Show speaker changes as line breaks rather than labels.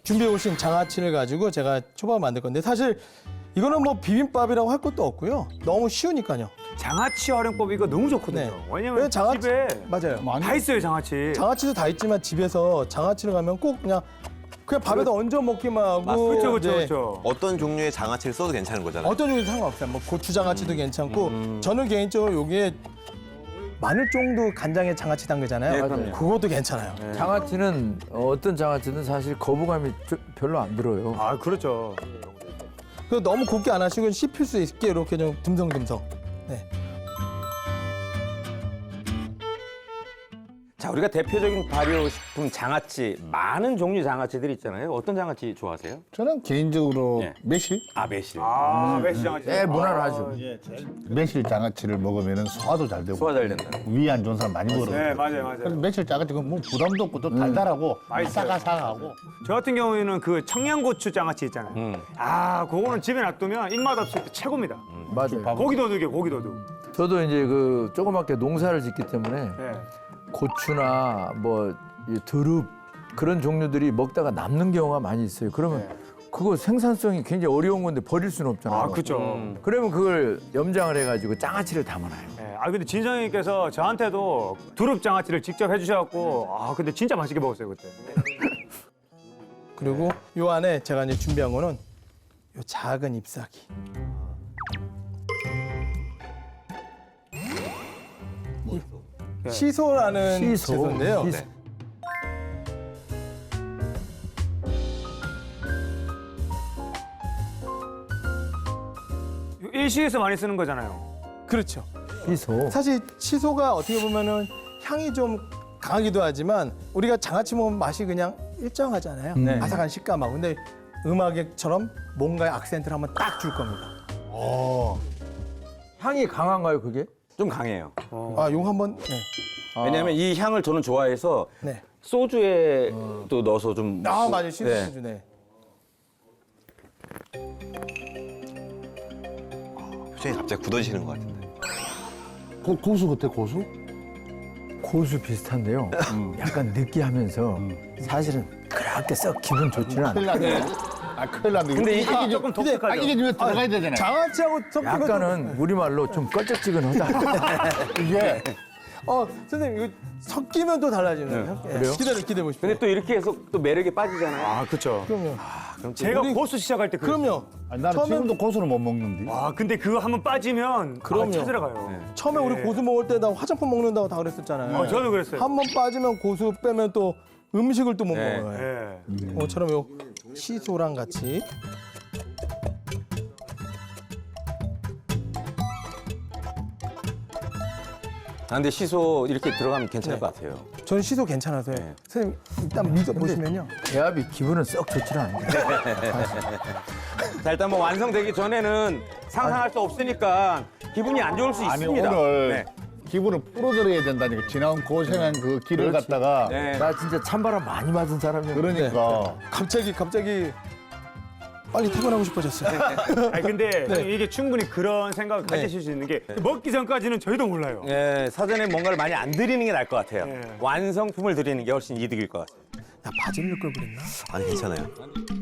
준비해 오신 장아찌를 가지고 제가 초밥을 만들 건데 사실 이거는 뭐 비빔밥이라고 할 것도 없고요. 너무 쉬우니까요.
장아찌 활용법 이거 너무 좋거든요.
네.
왜냐면
왜 장아찌-
집에
맞아요.
다 있어요, 장아찌.
장아찌도 다 있지만 집에서 장아찌를 가면 꼭 그냥 밥에다 얹어 먹기만 하고
그렇죠, 그렇죠,
네.
그렇죠.
어떤 종류의 장아찌를 써도 괜찮은 거잖아요.
어떤 종류도 상관없어요. 뭐 고추장아찌도 괜찮고 저는 개인적으로 여기에 마늘 정도 간장에 장아찌 담그잖아요.
네, 그럼요.
그것도 괜찮아요.
장아찌는 어떤 장아찌는 사실 거부감이 별로 안 들어요.
아, 그렇죠.
그 너무 곱게 안 하시고 씹힐 수 있게 이렇게 좀 듬성듬성. 네.
자, 우리가 대표적인 발효식품 장아찌, 많은 종류 장아찌들이 있잖아요. 어떤 장아찌 좋아하세요?
저는 개인적으로
예.
매실?
매실.
매실 장아찌.
네, 무난하죠.
매실 장아찌를 먹으면 소화도 잘 되고
소화 잘 된다.
위 안 좋은 사람 많이 먹어요.
네, 맞아요,
그래서
맞아요.
매실 장아찌가 뭐 부담도 없고 또 달달하고
맛있어요.
아삭아삭하고
저 같은 경우에는 그 청양고추 장아찌 있잖아요. 아, 그거는 집에 놔두면 입맛 없을 때 최고입니다.
맞아요.
고기 도둑이에요, 고기 도둑.
저도 이제 그 조그맣게 농사를 짓기 때문에
네.
고추나 뭐 이 두릅 그런 종류들이 먹다가 남는 경우가 많이 있어요. 그러면 그거 생산성이 굉장히 어려운 건데 버릴 수는 없잖아요.
아, 그렇죠.
그러면 그걸 염장을 해가지고 장아찌를 담아놔요.
네. 아, 근데 진성님께서 저한테도 두릅 장아찌를 직접 해주셔갖고 아, 근데 진짜 맛있게 먹었어요, 그때.
그리고 요 안에 제가 이제 준비한 거는 요 작은 잎사귀. 시소라는
시소.
채소인데요.
시소.
일식에서 많이 쓰는 거잖아요.
그렇죠.
시소.
사실 시소가 어떻게 보면은 향이 좀 강하기도 하지만 우리가 장아찌 먹으면 맛이 그냥 일정하잖아요.
네.
아삭한 식감하고. 근데 음악처럼 뭔가의 악센트를 한번 딱 줄 겁니다.
향이 강한가요, 그게?
좀 강해요.
아, 용 한번. 네.
왜냐하면 이 향을 저는 좋아해서
네.
소주에 또 넣어서 좀.
아, 맞아요. 시소
네.
수준에.
표정이 갑자기 굳어지시는 것 같은데.
고수 같아 고수?
고수 비슷한데요. 약간 느끼하면서 사실은 그렇게 썩 기분 좋지는 않아요.
큰일 났네. 아 큰일 났네.
근데 이게
조금 독특하죠.
이게 좀 들어가야 되잖아요.
장아찌하고 섞이면
약간은 우리말로 좀 껄쩍지근하다.
이게
선생님 이거 섞이면 또 달라지네요. 네.
그래요?
기다려 보십시오.
근데 또 이렇게 해서 또 매력에 빠지잖아요.
아, 그렇죠.
그럼요.
제가
우리-
고수 시작할 때 그랬어요.
그럼요.
아니, 나는
처음엔-
지금도 고수를 못 먹는데.
와, 근데 그거 한번 빠지면
그럼요.
찾으러 가요.
처음에 우리 고수 먹을 때 나 화장품 먹는다고 다 그랬었잖아요.
저도 그랬어요.
한 번 빠지면 고수 빼면 또 음식을 또 못
네.
먹어요.
네.
저처럼 요 시소랑 같이.
근데 시소 이렇게 들어가면 괜찮을 것 같아요.
저는 시소 괜찮아서요.
네.
선생님 일단 믿어 보시면요.
대합이 기분은 썩 좋지는 않아요.
자, 일단 뭐 완성되기 전에는 상상할 수 없으니까 기분이 안 좋을 수
아니
있습니다.
오늘
네.
기분을 풀어드려야 된다니까. 지나온 고생한 그 길을 갖다가
네.
나 진짜 찬바람 많이 맞은 사람이야.
그러니까
갑자기 빨리 퇴근하고 싶어졌어요.
아니, 근데
네.
이게 충분히 그런 생각을 가지실 수 있는 게 먹기 전까지는 저희도 몰라요.
예, 사전에 뭔가를 많이 안 드리는 게 나을 것 같아요.
네.
완성품을 드리는 게 훨씬 이득일 것 같아요.
나 바지를 걸 그랬나?
아니 괜찮아요.